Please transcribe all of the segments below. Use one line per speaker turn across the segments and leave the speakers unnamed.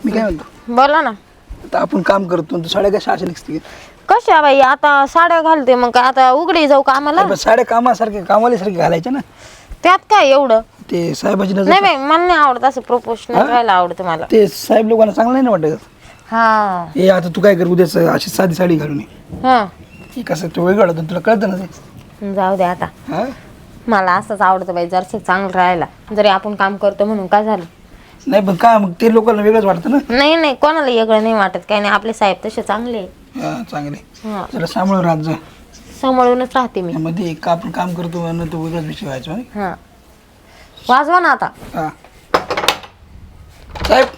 मी काय म्हणतो,
बोला ना.
आता आपण काम करतो तू साड्या कशा अशा निघते?
कशा बाई आता साड्या घालते मग आता उघडी जाऊ कामाला.
साड्या कामासारखे कामालीसारखे घालायच्या ना.
त्यात काय एवढं?
ते साहेबाची नजर.
नाही बाई मला नाही आवडत असं प्रोफेशनल राहायला आवडतं मला.
ते साहेब लोकांना चांगलं नाही ना वाटत.
हा
हे आता तू काय कर, उद्याच अशी साधी साडी घालून ये.
हा
हे कसं तो वेगळं होतं तुला कळतं ना ते.
जाऊ दे आता.
हा
मला असंच आवडतं बाई जरसं चांगलं राहायला. जरी आपण काम करतो म्हणून काय झालं?
नाही पण काय मग ते लोकांना वेगळंच वाटतं ना.
नाही नाही कोणाला वेगळं नाही वाटत काही नाही. आपले साहेब तसे चांगले आहे.
हा चांगले.
हा
जरा सांभाळून राहत जा.
सांभाळूनच राहते मी.
मध्ये एक आपण काम करतो म्हणून तो वेगळाच विषय व्हायचा.
हा वाजवा ना आता.
हा साहेब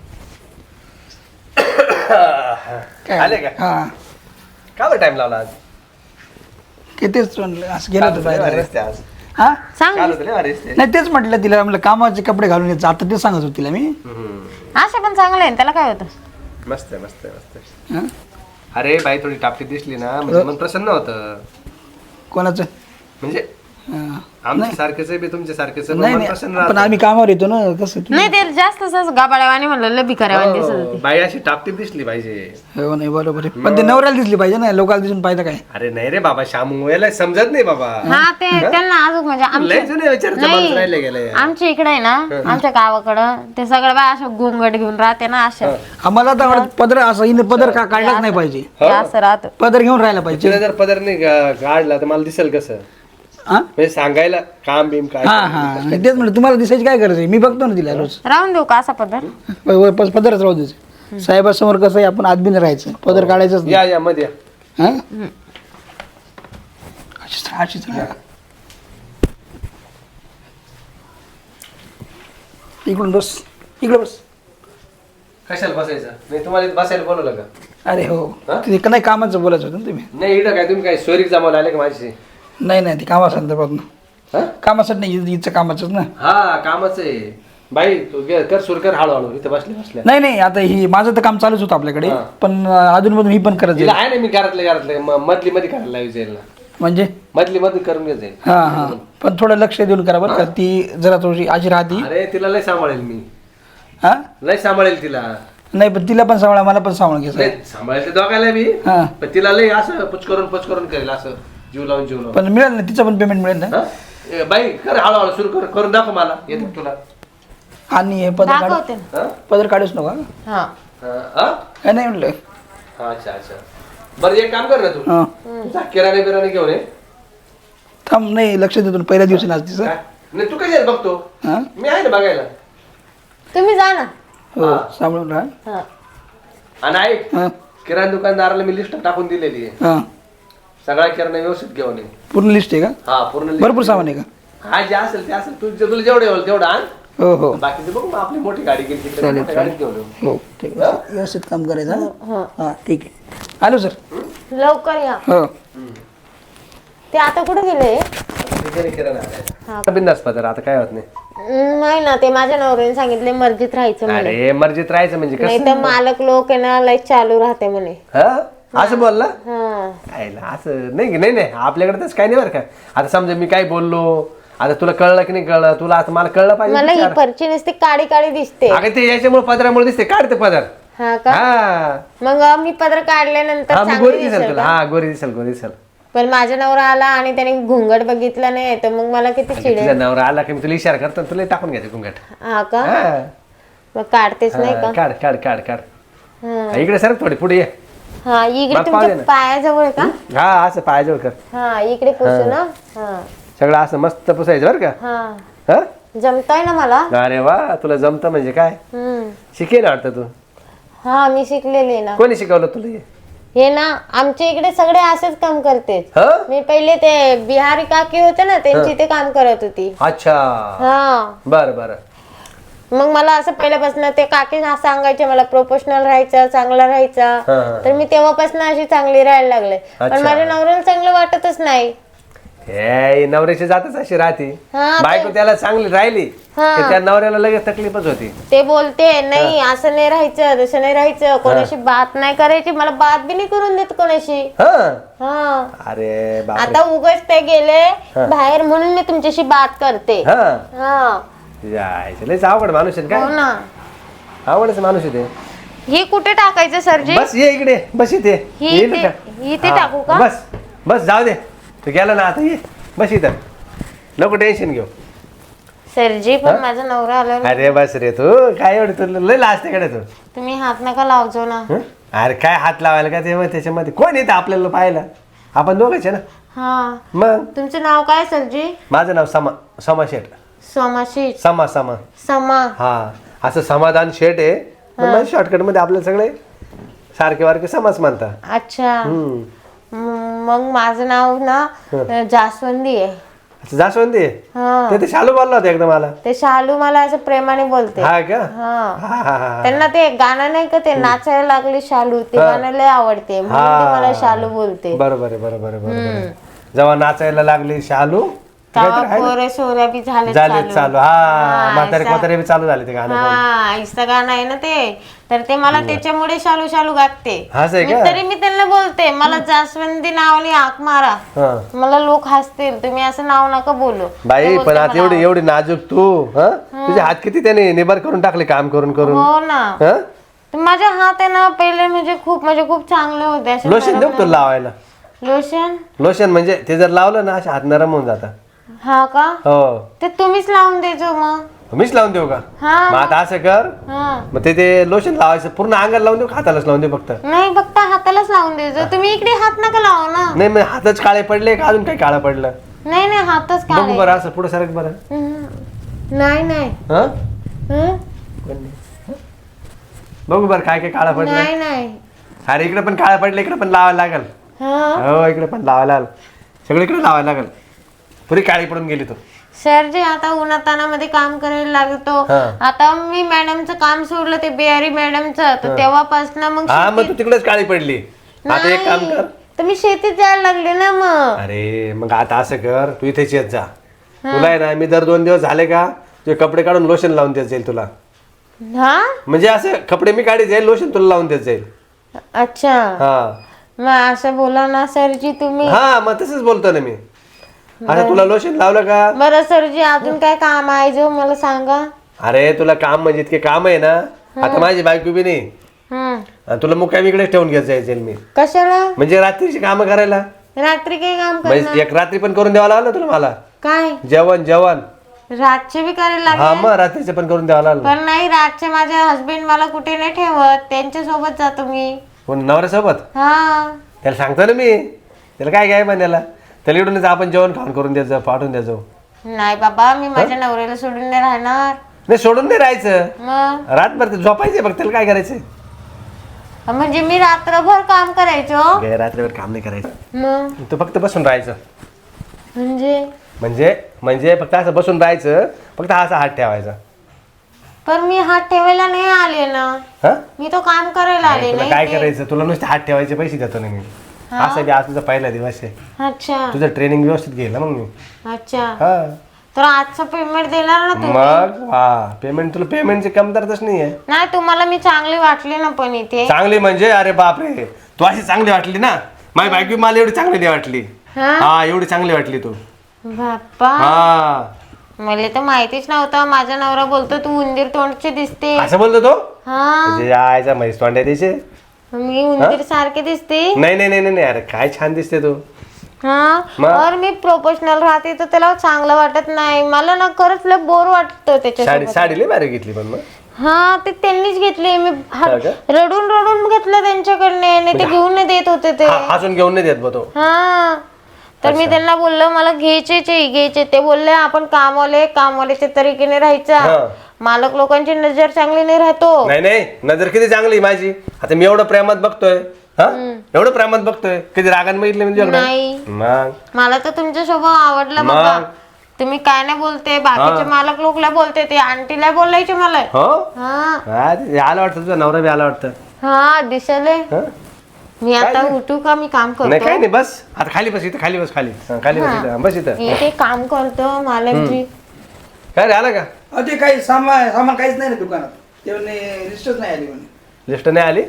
काय
आले का?
हा
का बरं टाइम लावला आज?
कितीच असं गेलं होतं
भारी
बाहेर.
रस्ते आज.
हा
सांग
काल होते लय भारी रस्ते.
नाही तेच म्हटलं तिला, म्हटलं कामाचे कपडे घालून यायचं आता ते सांगत होती तिला मी.
असे पण चांगले आहे त्याला काय होतं.
मस्त आहे मस्त आहे मस्त आहे.
हा?
अरे बाई थोडी टापटी दिसली ना म्हणजे मन प्रसन्न होतं.
कोणाचं?
म्हणजे
हा.
आमच्या सारखेच आहे बी तुमच्या सारखेच आहे,
नाही
मन
नाही
प्रसन्न
पण
राहतं.
आम्ही कामावर येतो ना कसं तू.
नाही ते जास्त गाबाळ्यावानी म्हणलं लबी करावानी दिसत
हो,
होती.
बाई अशी टापटी दिसली पाहिजे.
हो नाही बरोबर आहे, पण ते नवऱ्याला दिसली पाहिजे ना, लोकांना दिसून पाहिजे काय.
अरे नाही रे बाबा, शामू याला समजत नाही बाबा.
हा ते त्यांना अजून म्हणजे
लय जुने विचारचे माणूस राहिले गेले.
आमच्या इकडे आहे ना आमच्या गावाकडं ते सगळं बाय असं घुंगट घेऊन राहते ना अशा.
आम्हाला तर वाटतं पदर असं हिने पदर काढलाच नाही पाहिजे.
ते असं राहत.
पदर घेऊन राहायला पाहिजे.
तिला जर पदर नाही काढला तर मला दिसेल कसं?
हा
म्हणजे सांगायला काम बीम काय.
हा हा तेच म्हणलं, तुम्हाला दिसायची काय गरज आहे, मी बघतो ना तिला रोज.
राहून देऊ का असा पदर?
पदरच राहू द्यायचं. साहेबासमोर कसं आहे, आपण आदबीन राहायचं, पदर काढायचंच नाही.
या मध्ये या.
हा अशीच राहा. इकडून बस, इकडे बस.
कशाला बसायचं? नाही तुम्हाला इथं बसायला बोलवलं का?
अरे हो
हा?
ते नाही कामाचं बोलायचं होतं ना तुम्ही.
नाही इकडं काय तुम्ही काय सोयरीक जमावला आले का माझी?
नाही नाही ते कामासंदर्भात ना.
हा?
कामासाठी नाही, इथचं कामाचंच ना.
हा कामच आहे बाई. तू कर सुरू कर हळूहळू. इथं बसल्या बसल्या
नाही नाही आता ही माझं तर काम चालूच होतं आपल्याकडे,
हा.
पण अधूनमधून ही पण करत
तिला
जाईल.
आहे ना मी घरातले मधली मध्ये करायला लावी जाईल ना.
म्हणजे
मधली मध्ये करून घेत जाईल.
हा हा पण थोडं लक्ष देऊन करा बरं का, ती जरा थोडी अशी राहती.
अरे तिला लय सांभाळेल मी.
हा
लय सांभाळेल तिला.
नाही पण तिला पण सांभाळा, मला पण सांभाळून घ्यायचं.
नाही सांभाळेल ते दोघायला बी.
हा
पण तिला लय असं पुचकरून करेल असं जीव लावून जीव लावून.
पण मिळेल ना, तिचं पण पेमेंट मिळेल ना.
हा? ए, बाई कर हळूहळू सुरू करून दाखव मला. येतं का तुला?
आणि हे पदर काढ,
दाखवते ना.
हा?
पदर काढूच नका.
हा
हा?
काय नाही म्हटलं.
अच्छा अच्छा. बरं एक काम कर ना तू.
हा
जा किराणे बिराणे घेऊन ये.
थांब, नाही लक्ष देतो ना, पहिल्या दिवशी नाच तिचं.
काय? नाही तू कशाला बघतो?
हा
मी आहे ना बघायला.
तुम्ही जा ना.
हो
हा.
सांभाळून राहा.
हा
आणि ऐक,
हा
किराणा दुकानदाराला मी लिस्ट टाकून दिलेली आहे.
हा
सगळा किराणा व्यवस्थित घेऊन ये.
पूर्ण लिस्ट आहे का?
हा पूर्ण list.
भरपूर सामान आहे का?
हा जे असेल ते असेल. तुला जेवढे होईल तेवढं आण.
हो हो
बाकीचं बघू मग आपली मोठी गाडी गेली तिकडे
चालेल,
मोठ्या गाडीत घेऊन येऊ.
हो ठीक आहे, व्यवस्थित काम करायचं. हा? हा ठीक आहे. आलो सर.
लवकर या.
हो
ते आता कुठे गेले?
तिकडे किराणा आणायचा. बिनधास्त पदार आता काय होत नाही.
नाही ना ते माझ्या नवऱ्याने सांगितले मर्जीत राहायचं म्हणे.
अरे मर्जीत राहायचं म्हणजे
नाही
कसं?
तर मालक लोक आहे ना लय चालू राहते म्हणे.
हा? असं बोलला?
हा
आईला असं नाही की नाही आपल्याकडे तसं काही नाही बरं का. आता समजा मी काय बोललो, आता तुला कळलं की नाही कळलं, तुला आता मला कळलं पाहिजे
मला ही
विचार.
परची नुसती काळी काळी दिसते.
अगं ते याच्यामुळे पदरामुळे दिसते. काढते पदर.
हा का?
हा
मग मी पदर काढल्यानंतर
हा मग
चांगली
गोरी दिसेल
दिसेल
तुला.
का?
हा गोरी दिसेल गोरी दिसेल.
पण माझा नवरा आला आणि त्याने घुंगट बघितला नाही तर मग मला किती चिडेल.
तुझा नवरा आला की मी तुला इशारा करतो आणि तुला टाकून घ्यायचं घुंगट.
हा का?
हा.
मग काढतेच नाही
हा,
का?
काढ काढ काढ काढ.
हा.
हा, इकडे सर थोडी पुढे ये.
हा इकडे
मला पाहू दे
तुमच्या
ना.
पायाजवळ आहे का?
हा असं पायाजवळ कर.
हा इकडे पुसू ना. हा
सगळं असं मस्त पुसायचं बरं का.
हा
हा?
जमताय ना मला?
अरे वा तुला जमतं म्हणजे काय.
हम्म
शिकेल वाटतं तू.
हा मी शिकलेले ना.
कोणी शिकवलं तुला हे?
हे ना आमच्या इकडे सगळे असेच काम करते.
हा?
मी पहिले ते बिहारी काकी होते ना त्यांची ते काम करत होती.
अच्छा
हा
बरं बरं.
मग मला असं पहिल्यापासून ते काकी सांगायचे मला प्रोफेशनल राहायचं चांगला राहायचा.
हा, हा.
तर मी तेव्हापासून अशी चांगली राहायला लागले. पण
अच्छा.
माझ्या नवऱ्याला चांगलं वाटतच नाही.
हे नवऱ्याची जातच अशी राहते.
हा,
बायको त्याला चांगली राहिली
हा.
की त्या नवऱ्याला लगेच तकलीफच होती.
ते बोलते नाही असं नाही राहायचं तसं नाही राहायचं कोणाशी बात नाही करायची. मला बात बी नाही करून देत कोणाशी.
हा
हा
अरे बापरे.
आता उगाच ते गेले बाहेर म्हणून मी तुमच्याशी बात करते.
हा
हा
जायचं लयच अवघड माणूस आहे
हो
काय.
ना.
आवडच माणूस आहे ते.
हे कुठे टाकायचं सरजी?
बस ये इकडे, बस इथे.
ही
येईल
इथे-
का?
ही इथे
हा,
टाकू का?
बस बस जाऊ दे, तू गेला ना आता, ये बस इथं, नको टेन्शन घेऊ.
सरजी पण माझा नवरा आला.
अरे बस रे, तू काय एवढं तुला लय लाजते कडे तू.
तुम्ही हात नका लावजो ना.
हं? अरे काय हात लावायला का ते, त्याच्यामध्ये कोण येतं आपल्याला पाहायला? आपण दोघंच आहे ना.
हा,
मग
तुमचं नाव काय सरजी?
माझं नाव समा शेठ.
सोमाशी
समा
समा.
हा, असं समाधान शेठ आहे. शॉर्टकट मध्ये आपल्याला सगळे सारखे वारखे समाज म्हणतात.
अच्छा.
हम्म.
मग माझं नाव ना जास्वंदी आहे.
अच्छा, जास्वंदी आहे.
हा,
ते शालू बोलला होता एकदम मला.
ते शालू मला असं प्रेमाने बोलते.
हा का?
हा,
हा हा हा.
त्यांना ते गाणं नाही का, ते नाचायला लागले शालू, ते गाणं लय आवडते म्हणून ते मला शालू बोलते.
बरोबर आहे, बरोबर आहे, बरोबर आहे. जेव्हा नाचायला लागली शालू
पोरे सोऱ्या बी झाले
झाले चालू. हा, म्हातारे कोतारे बी चालू झाले ते गाणं.
हा, आईचं गाणं आहे ना ते, तर ते मला त्याच्यामुळे शालू शालू गाते.
असं आहे
मी
का?
तरी मी त्यांना बोलते, मला जास्वंदी नावाने हाक मारा.
हा.
मला लोक हसतील, तुम्ही असं नाव नका बोलू.
बाई पण आता एवढी एवढी नाजूक तू, हा, तुझे हात किती त्याने निबार करून टाकले काम करून करून.
हो ना.
हा?
तर माझे हात आहे ना पहिले म्हणजे खूप चांगले होते असे.
लोशन देऊ का तुला लावायला?
लोशन?
लोशन म्हणजे ते जर लावलं ना असे हात नरम होऊन जातात.
हा का?
हो.
ते तुम्हीच लावून द्यायचो मग.
मीच लावून देऊ का?
हा.
मग आता असं कर,
हा,
मग ते लोशन लावायचं पूर्ण अंगाला लावून देऊ, हातालाच लावून देऊ फक्त?
नाही फक्त हातालाच लावून द्यायचं. तुम्ही इकडे हात नका लावू ना.
नाही मग हातच काळे पडले का अजून काही काळं पडलं?
नाही नाही, हातच
बघू
काढे.
बरं, असं पुढे सरक बरं.
नाही नाही.
हा,
हं?
बघू बरं काय काय काळं पडलं.
नाही नाही.
अरे इकडे पण काळं पडलं, इकडे पण लावायला लागल.
हा,
हो, इकडे पण लावायला लागल, सगळीकडे लावायला लागल. पुरी काळी पडून गेली तू.
सर जे आता उन्हातानामध्ये काम करायला लागतो.
हा.
आता मी मॅडमचं काम सोडलं, ते बिहारी मॅडमचं, तर तेव्हापासून मग
हा, मग तू तिकडेच काळी पडली. आता एक काम कर.
तर मी शेतीत जायला लागले ना मग.
अरे मग आता असं कर, तू इथेच येत जा. तुला आहे ना, मी दर 2 दिवस झाले का तुझे कपडे काढून लोशन लावून देत जाईल तुला.
हा,
म्हणजे असं कपडे मी काढी जाईल, लोशन तुला लावून देत जाईल.
अच्छा.
हा
मग असं बोला ना सरजी तुम्ही.
हा, मग तसंच बोलतो ना मी. आता तुला लोशन लावलं का?
बरं सरजी, अजून काय काम आहे जो मला सांगा.
अरे तुला काम म्हणजे इतके काम आहे ना, आता माझी बायको बी नाही. आणि तुला मुक्कामी इकडे ठेवून घेत जायचं मी.
कशाला?
म्हणजे रात्रीची कामं करायला.
रात्री काय काम
म्हणजे
करणार?
एक रात्री पण करून द्यावं लागलं तुला मला.
काय
जेवण
रातचे बी करायला
हा,
लागले?
मग रात्रीचं पण करून द्यावं लागलं.
पण नाही, रातचे माझे हस्बंड मला कुठे नाही ठेवत, त्यांच्या सोबत जातो मी.
कोण नवऱ्यासोबत?
हा,
त्याला सांगतो ना मी, त्याला काय काय म्हणायला, त्याला इकडूनच आपण जेवण खाऊन करून द्यायचं, पाठवून द्यायचं.
नाही बाबा, मी माझ्या नवऱ्याला सोडून नाही राहणार.
नाही सोडून नाही राहायचं,
मग
रातभर ते झोपायचं बघ. त्याला काय करायचं?
म्हणजे मी रात्रभर काम करायचो?
काय रात्रभर काम नाही करायचं,
मग
तू फक्त बसून राहायचं.
म्हणजे
म्हणजे म्हणजे फक्त असं बसून राहायचं, फक्त असा हात ठेवायचा.
पण मी हात ठेवायला नाही आले ना,
हा,
मी तो काम करायला आले
तुला
नाही.
काय करायचं, तुला नुसते हात ठेवायचे पैसे देतो ना मी. असं बी आज तुझा पहिला दिवस आहे,
अच्छा
तुझं ट्रेनिंग व्यवस्थित घेईल ना मग मी.
अच्छा.
हा,
तर आजचं पेमेंट देणार ना तुम्ही?
मग वा, पेमेंट तुला पेमेंटची कमतरताच नाहीये.
नाही, तुम्हाला मी चांगली वाटली ना पण इथे.
चांगली म्हणजे अरे बापरे, तू अशी चांगली वाटली ना. माझी बायको मला एवढी चांगली नाही वाटली.
हा?
हा, एवढी चांगली वाटली तू.
बाप्पा,
हा,
मला तर माहितीच नव्हतं. माझा नवरा बोलतो तू उंदीर तोंडची दिसते.
असं बोलतो तो.
हा,
म्हणजे यायचा म्हैस तोंड आहे त्याचे.
मी उंदीर सारखे दिसते.
नाही नाही नाही नाही, अरे काय छान दिसते तू.
हा,
मग?
और मी प्रोफेशनल राहते तर त्याला चांगलं वाटत नाही. मला ना खरंच लय बोर वाटतं त्याच्या.
साडी साडी लई भारी घेतली पण मग.
हा, ते त्यांनीच घेतली. मी
हा का?
रडून रडून घेतलं त्यांच्याकडने, नाही ते घेऊन नाही देत होते ते.
हसून घेऊन नाही देत बा तो.
हा, तर मी त्यांना बोललो मला घ्यायचे. ते बोलले आपण कामवाल्याच्या तरीकेने राहायचा.
हा.
मालक लोकांची नजर चांगली नाही राहतो.
नाही नाही, नजर किती चांगली माझी. आता मी एवढं प्रेमात बघतोय, हा, एवढं प्रेमात बघतोय, कधी रागान बघितलं म्हणजे
नाही,
मग
मला तर तुमचा स्वभाव आवडला बाबा. तुम्ही काय नाही बोलते, बाकीचे मालक लोकला बोलते, ते आंटीला बोलायचे मला.
हो.
हा
हा, ते आला वाटतं तुझा नवरा बी आला वाटतं.
हा, दिसले.
हा?
मी आता उठू का? मी काम
नाही काय
करतो.
नाही, बस आता खाली बस इथं, खाली बस, खाली हा, खाली बस इथं, बस इथं.
मी ते काम करतो मालकजी.
काय रे, आला का?
ते काही सामान काहीच नाही ना दुकानात. ते लिस्टच नाही आली म्हणे.
लिस्ट नाही आली?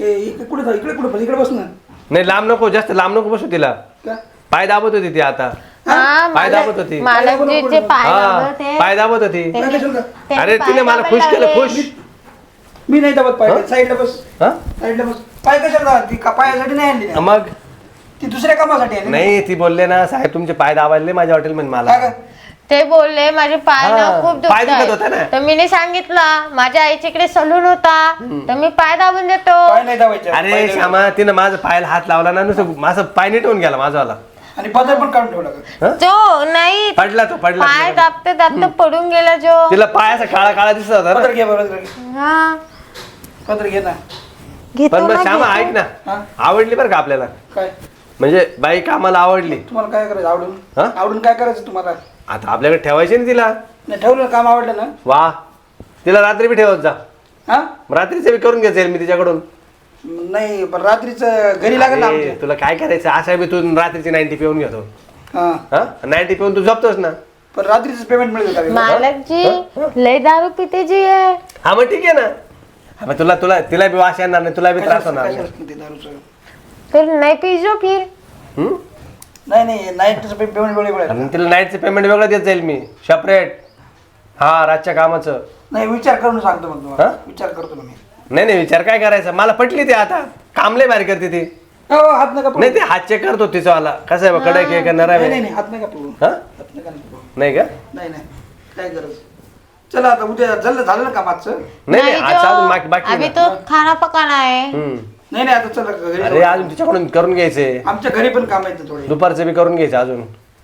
इकडे बस ना.
नाही, लांब नको, जास्त लांब नको बसू तिला.
का?
पाय दाबत होती ती आता.
हा,
पाय दाबत होती.
मालकजीचे पाय
हा,
दाबत आहे.
पाय दाबत होती.
त्यांनी
अरे
पाय
तिने मला
दाबायला
खुश केलं,
लावले.
खुश.
मी नाही दाबत पाय साईडला बस
हा
साईडला बस पाय कशाला दाबत? ती पायासाठी नाही आणली ना.
मग
ती दुसऱ्या कामासाठी आणली.
नाही ती बोलले ना साहेब तुमचे पाय दाबायले माझ्या हॉटेल मध्ये मला
काय गं?
ते बोलले माझे पाय ना
हा,
खूप
पाय दुखत होता ना.
दुखतात तर मी सांगितलं माझ्या आईच्या इकडे सलून होता तर मी पाय दाबून देतो.
पाय नाही दाबायचे.
अरे श्यामा तिनं माझं पायाला हात लावला ना नुसतं माझं पाय निटवून गेला माझावाला
आणि पदर पण काढून ठेवला का?
जो नाही
पडला तो पडला
पाय दाबते दाबते पडून गेला जो.
तिला पायाचा काळा काळा दिसत होता ना.
पदर घे बरोबर घे.
हा
पदर घे ना.
घेतो
पण मग
ना,
श्यामा
घेतो.
ऐक ना
हा?
आवडली बरं का आपल्याला
काय
म्हणजे बाई कामाला आवडली
तुम्हाला काय करायचं आवडून?
हा?
आवडून काय करायचं तुम्हाला?
आता आपल्याकडे ठेवायची ना तिला
नाही ठेवलं ना, काम आवडलं ना.
वा तिला रात्री बी ठेवत जा
हा
रात्रीचं बी करून घ्यायचं मी तिच्याकडून
नाही पण रात्रीचं घरी लागेल ना
अरे,
आमच्या.
तुला काय करायचं अशा बी तू रात्रीची 90 पिऊन घेतो
हा
हा 90 पिऊन तू झोपतोस ना
पण रात्रीचं पेमेंट मिळेल का?
मालकजी लय दारू पिते जी आहे.
हा मग ठीक आहे ना हा मग तुला तुला तिला बी वास येणार नाही तुला बी त्रास होणार नाही.
कशाला ते दारूचं?
तर नाही पिजो फिर.
हम्म?
नाही नाही नाईटचं पेमेंट वेगळं आहे.
आणि तिला नाईटचं पेमेंट वेगळं देत जाईल मी सेपरेट हा रातच्या कामाचं
नाही विचार करून सांगतो मग तुम्हाला.
हा?
विचार करतो ना मी.
नाही विचार काय करायचा मला पटली ती आता कामले बाहेर करते ती
हो हात नका पकडू.
नाही ते हात चेक करतो तिचा वाला कसं आहे बा, कडक आहे का नरम
नाही
आहे
नाही नाही, हात नका पकडू.
हा
हात नका पकडू.
नाही का
नाही नाही काय गरज. चला आता उद्या झालं ना कामाचं.
नाही आज अजून बाकी
अभी
आहे
तो खाना पकाना है.
ना. हम्म.
नाही नाही आता चला घरी
अरे
जाऊ.
अजून तिच्याकडून करून घ्यायचे
आमच्या घरी पण काम आहेत थोडे.
दुपारचं बी करून घ्यायचं अजून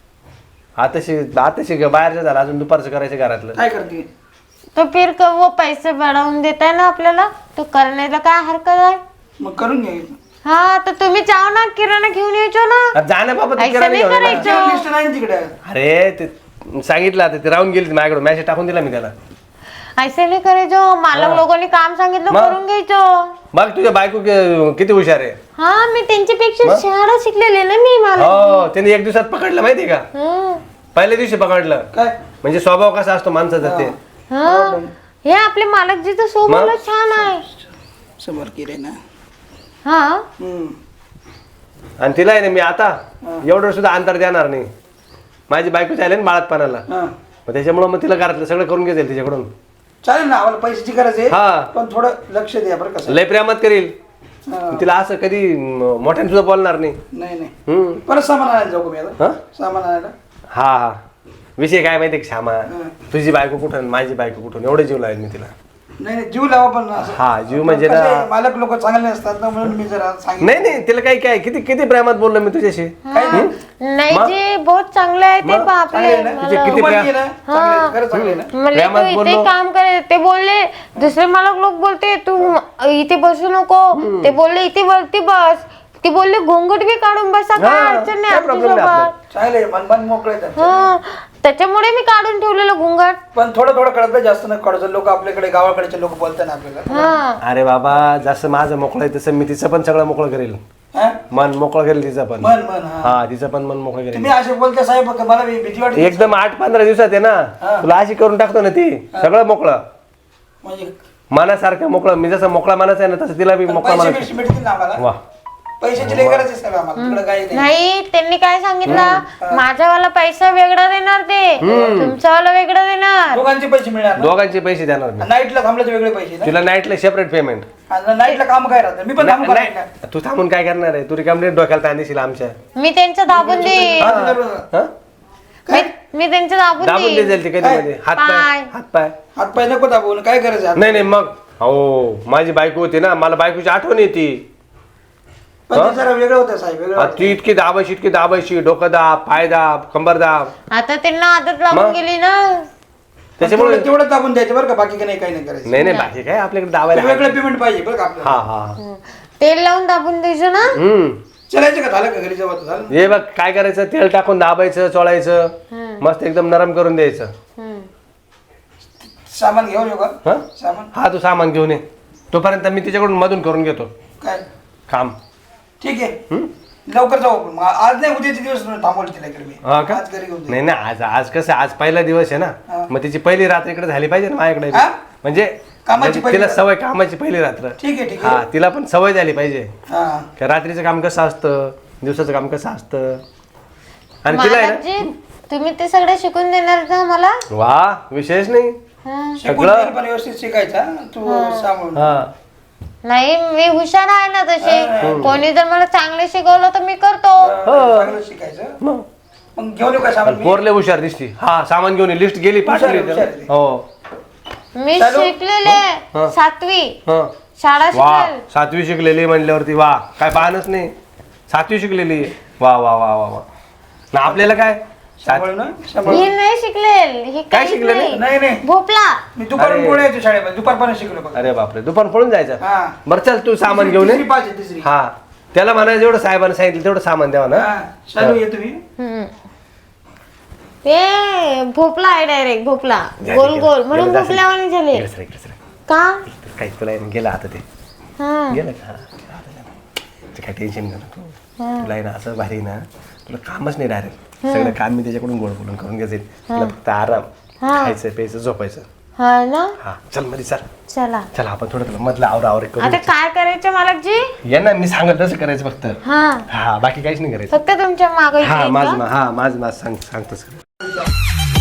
आताशी बाहेरचं झालं अजून दुपारचं करायचं घरातलं
काय करते?
तो फिर वो पैसे बढ़ावून देताय ना आपल्याला तो करण्याला काय हरकत आहे.
मग करून घ्या.
हा तर तुम्ही जाओ ना किराणा घेऊन यायचो ना.
आता जा ना बाबा तू
ऐसा
किराणा
नाही
घेऊन ये ना.
करायचं.
लिस्ट नाही ना तिकडे.
अरे ते सांगितलं आता ते राहून गेली ती माझ्याकडे मॅसेज टाकून दिला मी त्याला
ऐसे नाही करायचो. मालक लोकांनी काम सांगितलं
मग?
करून घ्यायचो.
बघ तुझ्या बायको किती हुशार आहे
हा मी त्यांच्यापेक्षा शहाणा शिकलेले ना मी मला.
हो त्याने एक दिवसात पकडलं माहिती का
हं.
पहिल्या दिवशी पकडलं
काय
म्हणजे स्वभाव कसा असतो माणसाचा ते
हा हे आपले मालकजीचं स्वभाव छान आहे.
समोर केले ना.
हा
हम्म.
आणि तिला आहे ना मी आता एवढं सुद्धा अंतर देणार नाही माझी बायको चालेल ना बाळातपणाला
हा.
मग त्याच्यामुळे मग तिला घरातलं सगळं करून घेता येईल तिच्याकडून
चालेल ना आम्हाला पैशाची गरज आहे.
हा.
पण थोडं लक्ष द्या बरं कसं.
लय प्रेमात करील
हा.
तिला असं कधी मोठ्याने सुद्धा बोलणार नाही
नाही नाही
हम्म.
परत सामान आणायला जाऊ का मी आता?
हा
सामान आणायला.
हा विषय काय माहिती का श्यामा
हा.
तुझी बायको कुठं आणि माझी बायको कुठून एवढं जीव लावेल मी तिला
नाही नाही जीव लावा पण असं.
हा जीव म्हणजे
कसं आहे,
ना
मालक लोक चांगले असतात ना म्हणून मी जरा सांगितलं.
नाही तिला काही काय किती किती प्रेमात बोललो मी तुझ्याशी
काही नाही.
नाही जे बहुत चांगले आहे ते
मग?
बापले
चांगले आहे ना?
तुझे किती
तुम्हाला
प्रेम-
ये ना? चांगले आहे. खरं चांगले आहे ना?
म्हणले तू
प्रेमात
इथे
बोललो.
काम करे ते बोलले दुसरे मालक लोक बोलते तू इथे बसू नको ते बोलले इथे वरती बस ते बोलले घोंगट बी काढून बसा काय
हा,
अडचण नाही
काय problem नाही
आमच्यासोबत.
चांगले आहे. मन मोकळे आहेत.
हा त्याच्यामुळे मी काढून ठेवलेलं घोंगट.
पण थोडं थोडं कळत नाही, जास्त न कळत. लोक आपल्याकडे गावाकडचे लोक बोलतात ना आपल्याला.
हा
अरे बाबा जसं माझं मोकळं आहे तसं मी तिचं पण सगळं मोकळं करेल
हा?
मन मोकळं करेल तिचं पण
मन मन हा.
हा तिचं पण मन मोकळं करेल
तुम्ही असे बोलते साहेब का मला भीती वाटते.
एकदम 8-15 दिवसात आहे
हा.
ना तुला अशी करून टाकतो ना ती सगळं मोकळं
म्हणजे
मनासारखं मोकळं मी जसं मोकळा मनाचं आहे ना तसं तिला बी मोकळा
पैसे
मनाचं
भेटतील ना आम्हाला.
वा
पैशाची लई गरज आहे साहेब आम्हाला. तिकडे काही नाही.
नाही त्यांनी काय सांगितलं माझावाला पैसा वेगळा देणार ते तुमचावाला वेगळा देणार.
दोघांचे पैसे मिळणार ना?
दोघांचे पैसे देणार मी
नाईटला थांबल्याचे वेगळे पैसे ना?
तुला नाईटला सेपरेट पेमेंट
आणि नाईटला काम काय राहतं? मी पण थांबू का नाईटला?
तू थांबून काय करणार आहे तू रिकामने डोक्याला ताण देशील आमच्या
मी त्यांचं दाबून देईन.
हा?
मी त्यांचं दाबून
दाबून
देईन.
देईल ती कधी मध्ये हात पाय
पाय.
हात पाय
हात पाय नको दाबवून काय गरज आहे?
नाही मग हो माझी बायको होती ना मला बायकोची आठवण येते
पण ते जरा वेगळं होतं साहेब वेगळं.
ती इतकी दाबायची डोकं दाब पाय दाब कंबर दाब
आता त्यांना आदत लागून
मग?
गेली ना.
त्याच्यामुळे
तेवढं दाबून द्यायचं बरं का बाकी काही नाही करायचं.
नाही बाकी काय आपल्याकडे दाबायला
वेगळं पेमेंट पाहिजे बरं का आपल्याला.
हा हा
तेल लावून दाबून द्यायचं ना.
चलायचं का झालं का घरी जेव्हा तर झालं ना?
हे बघ काय करायचं तेल टाकून दाबायचं चोळायचं मस्त एकदम नरम करून द्यायचं
हम्म.
सामान घेऊन येऊ का?
हा
सामान
हा तू सामान घेऊन ये तोपर्यंत मी तिच्याकडून मधून करून घेतो
काय
काम
ठीक आहे लवकर जाऊ आपण. आज नाही उद्याचे दिवस थांबवलं तिला इकडे मी.
हा का
आज घरी घेऊन जाऊ.
नाही ना आज कसं आज पहिला दिवस आहे
हा.
ना मग तिची पहिली रात्र इकडे झाली पाहिजे ना माझ्याकडे बी.
हा?
म्हणजे
कामाची
म्हणजे
पहिली
तिला
रात्र.
सवय कामाची पहिली रात्र
ठीक आहे ठीक
हा
आहे.
तिला पण सवय झाली पाहिजे
हा
का रात्रीचं काम कसं असतं दिवसाचं काम कसं असतं आणि तिला आहे ना
मालकजी तुम्ही ते सगळं शिकून देणार ना मला.
वा विशेष नाही
शिकून
सगळं.
जाईल पण व्यवस्थित शिकायचा तू सांभाळून.
हा
नाही मी हुशार आहे ना तसे. कोणी जर मला चांगले शिकवलं तर मी करतो.
चांगलं शिकायचं.
मग
मग घेऊन येऊ का सामान मी?
पोरले हुशार दिसती. हा सामान घेऊन लिस्ट गेली पाठवली.
हुशार आहे.
हो
मी शिकलेले 7वी
हा
शाळा
वा
शिकलेल.
7वी शिकलेली म्हणल्यावरती वा काय पाहणच नाही. 7वी शिकलेली वा वा वा वा वा ना आपल्याला काय
सांभाळून ना, सांभाळून.
ही नाही शिकलेल. ही
काय
काहीच
शिकलेले?
नाही.
नाही नाही
भोपला.
मी दुपारून
अरे.
पुढे यायचो शाळेमध्ये दुपारपर्यंत शिकलो बघ.
अरे बापरे दुपार पळून जायचं.
हा.
बरं चल तू सामान घेऊन ये.
तिसरी पाच आहे, तिसरी.
हा त्याला म्हणा जेवढं साहेबांनी सांगितलं तेवढं सामान द्यावा ना.
हा, चालू ये तुम्ही.
हम्म. ए भोपला आहे डायरेक्ट भोपला. गोल गोल म्हणून भोपल्यावानी झाले.
इकडे सर, इकडे सर.
का?
काही तुला गेलं आता ते
हा.
गेलं का ते काय टेन्शन नाही तू. तुला आहे ना असं भारी ना तुला कामच नाही डायरेक्ट सगळं काम मी त्याच्याकडून गोड बोलून करून घ्यायचं. तुला फक्त आराम खायचं प्यायचं झोपायचं.
हा ना.
हा चल मध्ये चल
चला
चल आपण थोडं तुला मधलं आवरा करू.
आता काय करायचं मालकजी?
ये ना मी सांगत तसं करायचं फक्त.
हा
हा बाकी काहीच नाही करायचं.
फक्त तुमच्या मागे
हा माझ सांगतो सर.